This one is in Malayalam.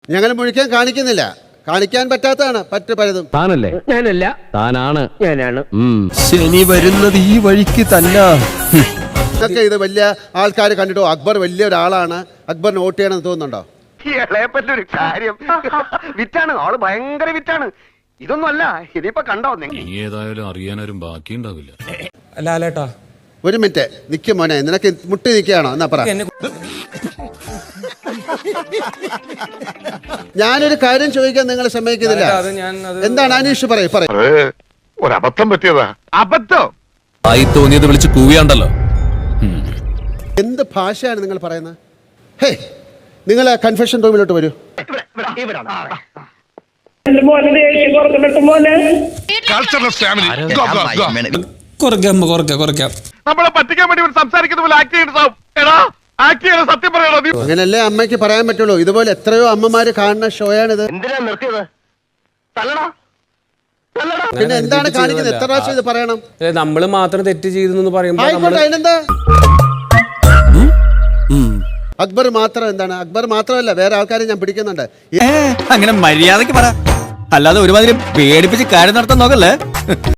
ഞങ്ങൾ മുഴിക്കാൻ കാണിക്കുന്നില്ല, കാണിക്കാൻ പറ്റാത്തതാണ് പലതും. താനല്ലേ? ഞാനല്ല, താനാണ്. ഞാനാണ്. ശനി വരുന്നത് ഈ വഴിക്ക് തന്നെ. ഇതൊക്കെ ഇത് വലിയ ആൾക്കാർ കണ്ടിട്ടോ അക്ബർ വലിയ ഒരാളാണ്, അക്ബറിന് വോട്ട് ചെയ്യണമെന്ന് തോന്നുന്നുണ്ടോ? ഒരു കാര്യം വിറ്റാണ്, ആള് ഭയങ്കര വിറ്റാണ്. ഇതൊന്നും അല്ല, ഇതിപ്പോ കണ്ടോ നിങ്ങൾ? ഏതായാലും അറിയാനും ബാക്കിയുണ്ടാവില്ല. ലാലേട്ടാ ഒരു മിനിറ്റ് നിൽക്കും മോനെ, നിനക്ക് മുട്ടി നിൽക്കുകയാണോ എന്നാ പറ. ഞാനൊരു കാര്യം ചോദിക്കാൻ നിങ്ങൾ സമ്മതിക്കുന്നില്ല. എന്താണ് അനീഷ് പറയൂ. ഒരബദ്ധം പറ്റിയതാ. അബദ്ധം ആയി തോന്നിയത് വിളിച്ച് കൂവിയാണ്ടല്ലോ. എന്ത് ഭാഷയാണ് നിങ്ങൾ പറയുന്നത്? ഹേ, നിങ്ങൾ കൺഫെഷൻ റൂമിലോട്ട് വരൂ. നമ്മളെ പറ്റിക്കാൻ വേണ്ടി സംസാരിക്കുന്ന പോലെ ആക്ട് ചെയ്യണം. സത്യം പറയണോ? അങ്ങനല്ലേ അമ്മയ്ക്ക് പറയാൻ പറ്റുള്ളൂ. ഇതുപോലെ എത്രയോ അമ്മമാര് കാണുന്ന ഷോയാണിത്. എന്തിനാ നിർത്തിയത്? തല്ലടാ. പിന്നെ എന്താണ് കാണിക്കുന്നത്? എത്ര പ്രാവശ്യം ഇത് പറയണം? നമ്മള് മാത്രം തെറ്റ് ചെയ്തു പറയുമ്പോ ആയിക്കോട്ടെ, അതിനെന്താ? അക്ബർ മാത്രം എന്താണ്? അക്ബർ മാത്രമല്ല, വേറെ ആൾക്കാരെ ഞാൻ പിടിക്കുന്നുണ്ട്. അങ്ങനെ മര്യാദക്ക് പറ, അല്ലാതെ ഒരുമാതിരി പേടിപ്പിച്ച് കാര്യം നടത്താൻ നോക്കല്ലേ.